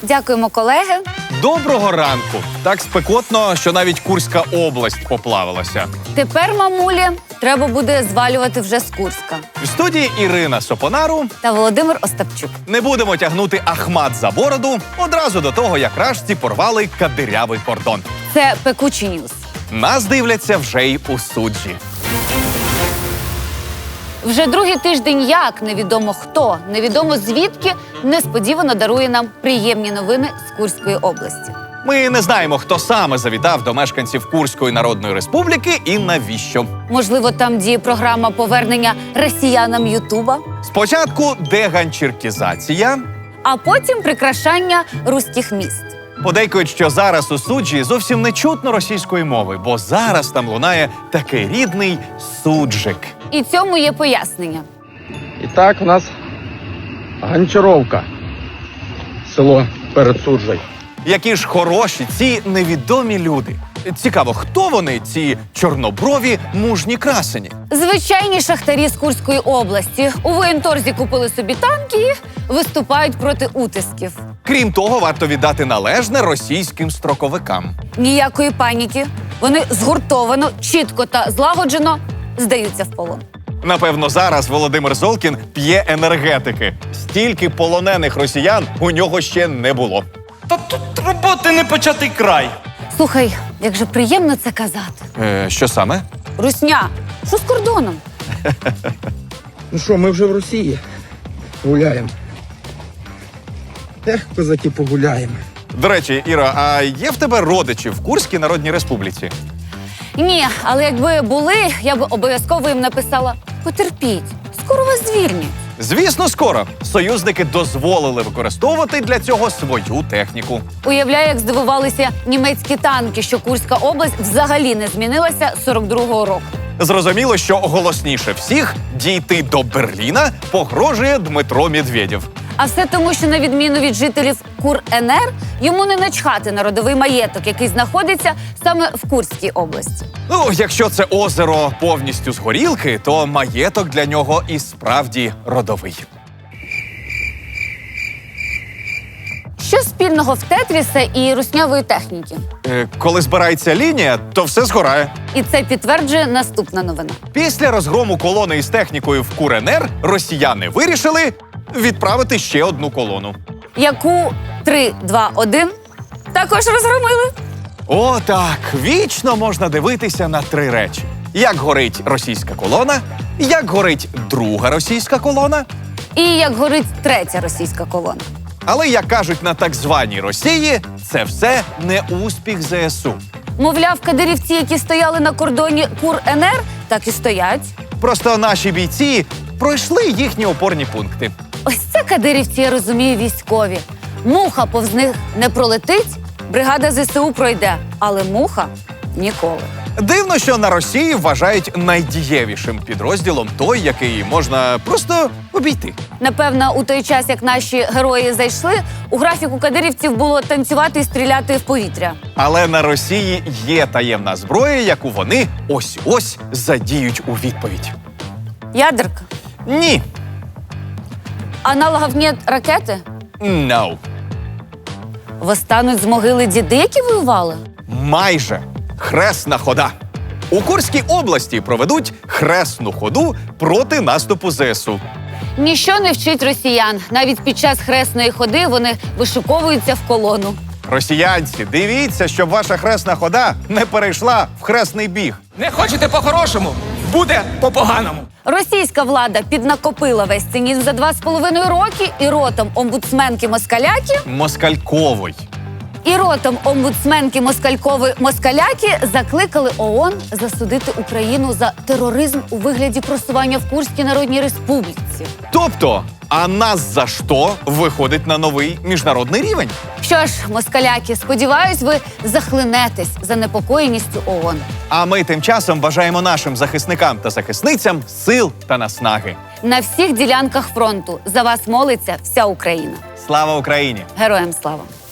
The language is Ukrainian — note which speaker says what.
Speaker 1: Дякуємо, колеги.
Speaker 2: Доброго ранку. Так спекотно, що навіть Курська область поплавилася.
Speaker 1: Тепер, мамулі, треба буде звалювати вже з Курська.
Speaker 2: В студії Ірина Сопонару.
Speaker 1: Та Володимир Остапчук.
Speaker 2: Не будемо тягнути Ахмат за бороду одразу до того, як рашці порвали кадирявий кордон.
Speaker 1: Це пекучий ньюс.
Speaker 2: Нас дивляться вже й у суджі.
Speaker 1: Вже другий тиждень як невідомо хто, невідомо звідки несподівано дарує нам приємні новини з Курської області.
Speaker 2: Ми не знаємо, хто саме завітав до мешканців Курської Народної Республіки і навіщо.
Speaker 1: Можливо, там діє програма повернення росіянам Ютуба,
Speaker 2: Спочатку деганчіркізація.
Speaker 1: а потім прикрашання руських міст.
Speaker 2: Подейкують, що зараз у суджі зовсім не чутно російської мови, бо зараз там лунає такий рідний суджик.
Speaker 1: І цьому є пояснення.
Speaker 3: І так, у нас Гончаровка, село перед Суджею.
Speaker 2: Які ж хороші ці невідомі люди. Цікаво, хто вони, ці чорноброві мужні красені?
Speaker 1: Звичайні шахтарі з Курської області у воєнторзі купили собі танки і виступають проти утисків.
Speaker 2: Крім того, варто віддати належне російським строковикам.
Speaker 1: Ніякої паніки. Вони згуртовано, чітко та злагоджено здаються в полон.
Speaker 2: Напевно, зараз Володимир Золкін п'є енергетики. Стільки полонених росіян у нього ще не було.
Speaker 4: Та тут роботи не початий край.
Speaker 1: Слухай, як же приємно це казати.
Speaker 2: Що саме?
Speaker 1: Русня, що з кордоном?
Speaker 3: Ну що, ми вже в Росії гуляємо. Козаки, погуляємо.
Speaker 2: До речі, Іра, а є в тебе родичі в Курській Народній Республіці?
Speaker 1: Ні, але якби були, я б обов'язково їм написала: потерпіть, скоро вас звільнять.
Speaker 2: Звісно, скоро. Союзники дозволили використовувати для цього свою техніку.
Speaker 1: Уявляю, як здивувалися німецькі танки, що Курська область взагалі не змінилася з 42-го року.
Speaker 2: Зрозуміло, що голосніше всіх дійти до Берліна погрожує Дмитро Медведєв.
Speaker 1: А все тому, що на відміну від жителів Кур-НР, йому не начхати на родовий маєток, який знаходиться саме в Курській області.
Speaker 2: Ну, якщо це озеро повністю з горілки, то маєток для нього і справді родовий.
Speaker 1: Що спільного в Тетріса і руснявої техніки?
Speaker 2: Коли збирається лінія, то все згорає.
Speaker 1: І це підтверджує наступна новина.
Speaker 2: Після розгрому колони із технікою в Кур-НР росіяни вирішили відправити ще одну колону.
Speaker 1: Яку 3, 2, 1 також розгромили.
Speaker 2: О, так, вічно можна дивитися на три речі. Як горить російська колона, як горить друга російська колона,
Speaker 1: І як горить третя російська колона.
Speaker 2: але, як кажуть на так званій Росії, це все не успіх ЗСУ.
Speaker 1: Мовляв, кадирівці, які стояли на кордоні Кур-НР, так і стоять.
Speaker 2: Просто наші бійці пройшли їхні опорні пункти.
Speaker 1: Ось це кадирівці, я розумію, військові. Муха повз них не пролетить, бригада ЗСУ пройде, але муха ніколи.
Speaker 2: Дивно, що на Росії вважають найдієвішим підрозділом той, який можна просто обійти.
Speaker 1: Напевно, у той час, як наші герої зайшли, у графіку кадирівців було танцювати і стріляти в повітря.
Speaker 2: Але на Росії є таємна зброя, яку вони ось-ось задіють у відповідь.
Speaker 1: Ядерка.
Speaker 2: Ні.
Speaker 1: Аналогів нет ракети?
Speaker 2: No.
Speaker 1: Восстануть з могили діди, які воювали?
Speaker 2: Майже. Хресна хода. У Курській області проведуть хресну ходу проти наступу ЗСУ.
Speaker 1: Ніщо не вчить росіян. Навіть під час хресної ходи вони вишуковуються в колону.
Speaker 2: Росіянці, дивіться, щоб ваша хресна хода не перейшла в хресний біг.
Speaker 4: Не хочете по-хорошому? Буде по-поганому.
Speaker 1: Російська влада піднакопила весь цинізм за 2,5 роки і ротом омбудсменки Москаляки
Speaker 2: Москальковий.
Speaker 1: Москалькової Москаляки закликали ООН засудити Україну за тероризм у вигляді просування в Курській Народній Республіці.
Speaker 2: Тобто, а нас за що виходить на новий міжнародний рівень?
Speaker 1: Що ж, москаляки, сподіваюсь, ви захлинетесь занепокоєністю ООН.
Speaker 2: А ми тим часом бажаємо нашим захисникам та захисницям сил та наснаги.
Speaker 1: На всіх ділянках фронту за вас молиться вся Україна.
Speaker 2: Слава Україні!
Speaker 1: Героям слава!